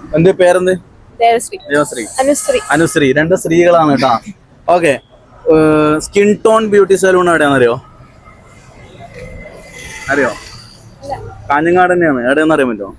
എന്ത് പേരെന്ത്? ദേവശ്രീ. ദേവശ്രീ. അനുശ്രീ. അനുശ്രീ. രണ്ട് സ്ത്രീകളാണ് കേട്ടാ. Okay. Skin tone beauty salon എവിടെയാണെന്നറിയോ? അറിയോ? കാഞ്ഞങ്ങാട് തന്നെയാണ്. എവിടെയാണെന്ന് അറിയാൻ പറ്റുമോ?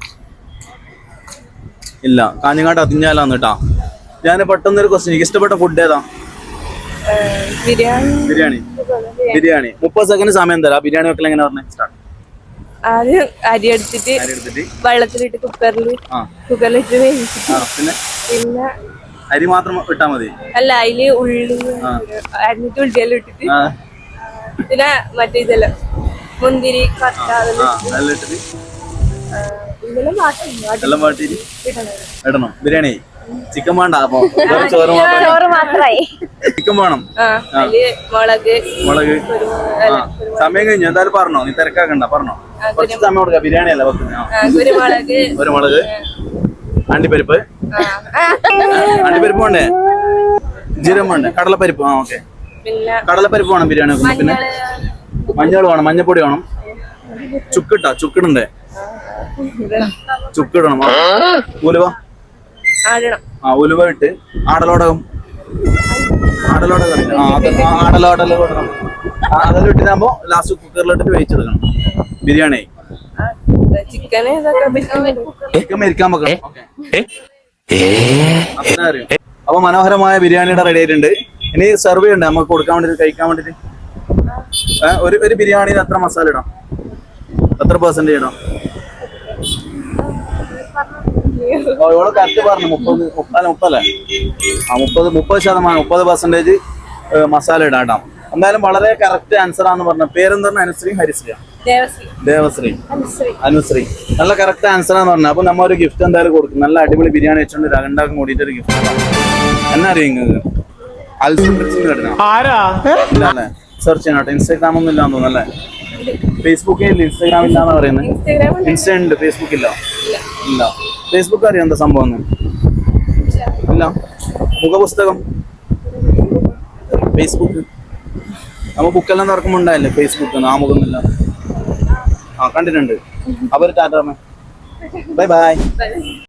ഇല്ല, കാഞ്ഞങ്ങാട് അതിഞ്ഞാലാന്ന് കേട്ടാ. ഞാൻ പെട്ടെന്നൊരു ക്വസ്റ്റ്യൻ, എനിക്ക് ഇഷ്ടപ്പെട്ട ഫുഡ് ഏതാ? ബിരിയാണി. ബിരിയാണി. ബിരിയാണി. 30 സെക്കൻഡ് സമയം തരാം. ബിരിയാണി വെക്കൽ എങ്ങനെ പറഞ്ഞേ? സ്റ്റാർട്ട്. ആദ്യം അരി എടുത്തിട്ട് വെള്ളത്തിലിട്ട് കുക്കറിലിട്ട് വേവിച്ചിട്ട് പിന്നെ അരി മാത്രം ഇട്ടാ മതി? അല്ല, അതില് ഉള്ളി അരിഞ്ഞിട്ട് ഉള്ളിയെല്ലാം ഇട്ടിട്ട് പിന്നെ മറ്റേ ഇതെല്ലാം മുന്തിരി ഇടണം. ബിരിയാണി ചിക്കൻ വേണ്ട, അപ്പൊ ചോറ് മാത്രമായി. ചിക്കൻ വേണം. മുളക്. സമയം കഴിഞ്ഞു. എന്തായാലും പറഞ്ഞോ, നീ തിരക്കാക്കണ്ട, പറഞ്ഞോ. കുറച്ച് സമയം കൊടുക്ക. ബിരിയാണി അല്ല വെക്കുന്നത്. കുരുമുളക്, അണ്ടിപ്പരിപ്പ്. അണ്ടിപ്പരിപ്പ് വേണ്ടേ? ജീരകം വേണ്ടേ? കടലപ്പരിപ്പ്. ഓക്കെ, കടലപ്പരിപ്പ് വേണം ബിരിയാണി വെക്കുമ്പോ. പിന്നെ മഞ്ഞൾ വേണം, മഞ്ഞപ്പൊടി വേണം. ചുക്കിടണ്ടേ? ചുക്കിടണം. ഉലുവ. ഉലുവ ഇട്ട് ആടലോടകം. ആടലോടകം ഇടണം. അതെല്ലാം ഇട്ടിട്ടാകുമ്പോ ലാസ്റ്റ് കുക്കറിലിട്ടിട്ട് വേവിച്ചെടുക്കണം. ബിരിയാണി ചിക്കൻ മരിക്കാൻ വെക്കണം. അത്ര അറിയാം. അപ്പൊ മനോഹരമായ ബിരിയാണിയുടെ റെഡി ആയിട്ടുണ്ട്. ഇനി സെർവ് ചെയ്യണ്ടേ നമുക്ക് കൊടുക്കാൻ വേണ്ടിട്ട്, കഴിക്കാൻ വേണ്ടിട്ട്? ഒരു ബിരിയാണിയിൽ എത്ര മസാല ഇടാം? എത്ര പെർസെന്റ് ഇടാം? ഇവിടെ കറക്റ്റ് പറഞ്ഞു. 30% മസാല ഇടാം കേട്ടോ. എന്തായാലും വളരെ കറക്റ്റ് ആൻസർ ആണെന്ന് പറഞ്ഞു. പേരെന്താണ്? അനുശ്രീ, ഹരിശ്രീ, ദേവശ്രീ, അനുശ്രീ. നല്ല കറക്റ്റ് ആൻസർ ആണെന്ന് പറഞ്ഞു. അപ്പൊ നമ്മ ഒരു ഗിഫ്റ്റ് എന്തായാലും കൊടുക്കും. നല്ല അടിപൊളി ബിരിയാണി വെച്ചോണ്ട് രണ്ടാക്കും കൂടിയിട്ട് ഒരു ഗിഫ്റ്റ്. എന്നാ അറിയാം നിങ്ങൾക്ക്? അല്ലേ? സെർച്ച് ചെയ്യണം. ഇൻസ്റ്റാഗ്രാം ഒന്നും ഇല്ലാന്ന് തോന്നുന്നല്ലേ? ഫേസ്ബുക്കിൽ ഇല്ല, ഇൻസ്റ്റാഗ്രാം ഇല്ലാന്ന് പറയുന്നത്. ഇൻസ്റ്റ ഉണ്ട്, ഫേസ്ബുക്ക് ഇല്ല. ഫേസ്ബുക്ക് അറിയാം എന്താ സംഭവം? ഇല്ല. മുഖപുസ്തകം, ഫേസ്ബുക്ക്. നമ്മ ബുക്കെല്ലാം തുറക്കുമ്പോ ഉണ്ടായില്ലേ ഫേസ്ബുക്ക്? ആമുഖമൊന്നുമില്ല. കണ്ടിട്ടുണ്ട്. അപ്പൊ ടാറ്റ, ബൈ ബൈ.